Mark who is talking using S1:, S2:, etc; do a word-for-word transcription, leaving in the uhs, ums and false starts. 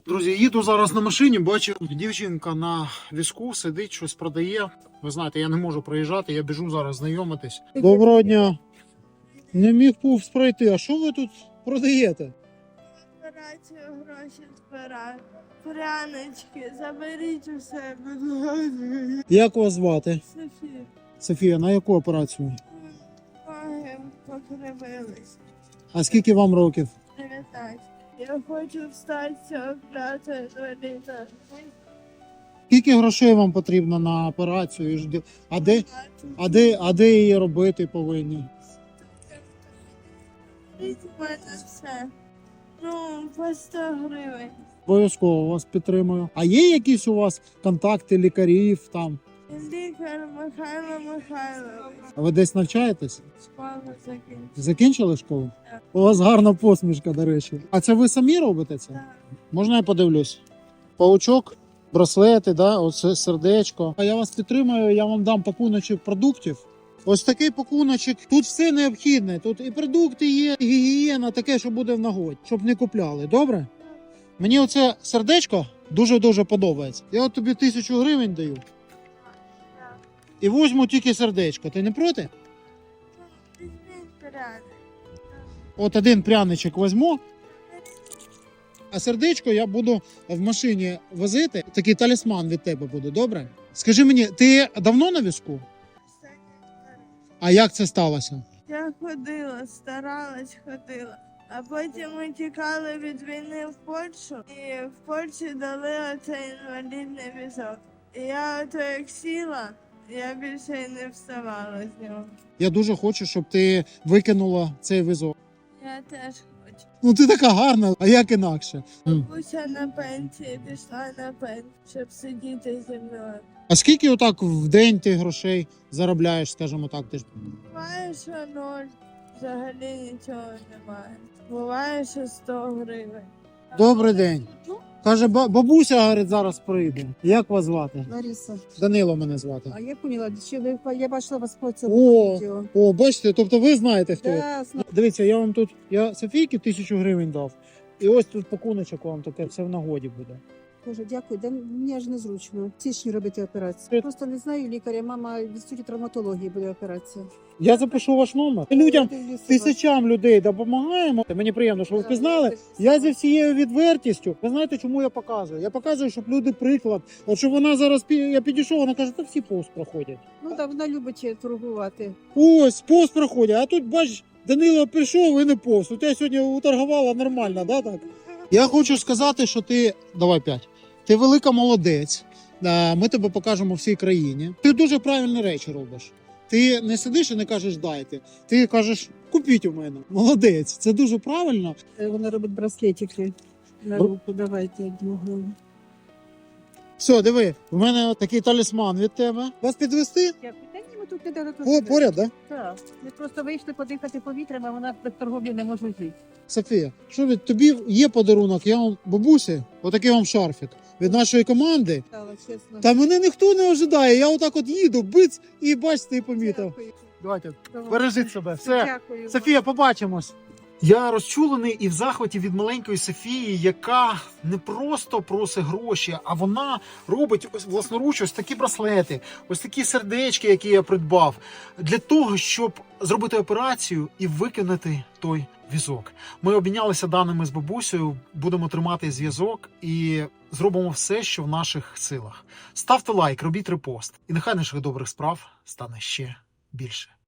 S1: Друзі, їду зараз на машині, бачу, дівчинка на візку сидить, щось продає. Ви знаєте, я не можу проїжджати, я біжу зараз знайомитись. Доброго дня. Не міг повз пройти. А що ви тут продаєте?
S2: Операцію гроші збираю. Прянички, заберіть усе, будь ласка.
S1: Як вас звати?
S2: Софія,
S1: Софія, на яку операцію?
S2: ноги покривились.
S1: А скільки вам років?
S2: дев'ятнадцять. Я хочу встати з цього працю інваліда.
S1: Скільки грошей вам потрібно на операцію? А де, а де, а де її робити повинні?
S2: Беріть у мене все. Ну, по сто гривень.
S1: Обов'язково вас підтримую. А є якісь у вас контакти лікарів там?
S2: Лікар Михайло Михайлович.
S1: А ви десь навчаєтесь?
S2: Школу закінчив.
S1: Закінчили школу?
S2: Так.
S1: У вас гарна посмішка, до речі. А це ви самі робите це?
S2: Так.
S1: Можна я подивлюсь? Паучок, браслети, да? Оце сердечко. А я вас підтримую, я вам дам пакуночок продуктів. Ось такий пакуночок. Тут все необхідне. Тут і продукти є, і гігієна, таке, що буде в нагоді, щоб не купляли. Добре? Мені оце сердечко дуже-дуже подобається. Я от тобі тисячу гривень даю. І возьму тільки сердечко. Ти не проти?
S2: Візьміть пряник.
S1: От один пряничок візьму, а сердечко я буду в машині возити. Такий талісман від тебе буде, добре? Скажи мені, ти давно на візку? А як це сталося?
S2: Я ходила, старалась, ходила. А потім ми тікали від війни в Польщу, і в Польщі дали оцей інвалідний візок. І я ото як сіла, я більше й не вставала з нього.
S1: Я дуже хочу, щоб ти викинула цей візок.
S2: Я теж хочу.
S1: Ну ти така гарна, а як інакше? М.
S2: Бабуся на пенсії пішла на пенсію, щоб сидіти зі мною.
S1: А скільки отак в день ти грошей заробляєш, скажімо так? Ти ж...
S2: Буває, що ноль, взагалі нічого немає. Буває, що сто гривень.
S1: Добрий день. Каже, ба- бабуся, говорить, зараз прийде. Як вас звати?
S3: Лариса,
S1: Данило мене звати.
S3: а я поняла, чи ви я бачила вас по
S1: О,
S3: цьому відео.
S1: о, бачите, тобто ви знаєте, хто я.
S3: Да, зна-
S1: Дивіться, я вам тут, я Софійки тисячу гривень дав. І ось тут пакуночок вам таке, все в нагоді буде.
S3: Боже, дякую. Да, мені аж незручно. В січні робити операцію. Просто не знаю лікаря, мама в інституті травматології буде операція.
S1: Я запишу ваш номер. Людям,
S3: Дивлюся вас.
S1: тисячам людей допомагаємо. Мені приємно, що ви
S3: Да,
S1: впізнали.
S3: дивлюся
S1: Я
S3: вас.
S1: зі всією відвертістю. Ви знаєте, чому я показую? Я показую, щоб люди приклад. От щоб вона зараз пі- я підійшов, вона каже, та всі повз проходять.
S3: Ну так, вона любить торгувати.
S1: Ось, повз проходять. А тут, бач, Данило прийшов і не повз. У тебе сьогодні уторгувала нормально, да, так? Я хочу сказати, що ти. Давай п'ять. Ти велика молодець. Е, Ми тебе покажемо всій країні. Ти дуже правильні речі робиш. Ти не сидиш і не кажеш дайте. Ти кажеш, купіть у мене. Молодець. Це дуже правильно.
S3: Е, Вона робить браслетики на
S1: Бр-
S3: руку. Давайте одну гривню.
S1: Все, диви, в мене от такий талісман від тебе. Вас підвести?
S3: Дякую. Та ні, ми тут недалеко.
S1: О, поряд, так? Да?
S3: Так. Ми просто вийшли подихати повітрям, а вона без торговлі не може жити.
S1: Софія, що від тобі є подарунок? Я вам бабусі, отакий вам шарфік від нашої команди.
S3: Стало, чесно.
S1: Та мене ніхто не ожидає. Я отак от їду, биц, і бачите, і помітив.
S3: Дякую.
S1: Давайте,
S3: Давай.
S1: бережіть себе. Все.
S3: Дякую.
S1: Софія, побачимось. Я розчулений і в захваті від маленької Софії, яка не просто просить гроші, а вона робить ось власноруч ось такі браслети, ось такі сердечки, які я придбав, для того, щоб зробити операцію і викинути той візок. Ми обмінялися даними з бабусею, будемо тримати зв'язок і зробимо все, що в наших силах. Ставте лайк, робіть репост, і нехай наших добрих справ стане ще більше.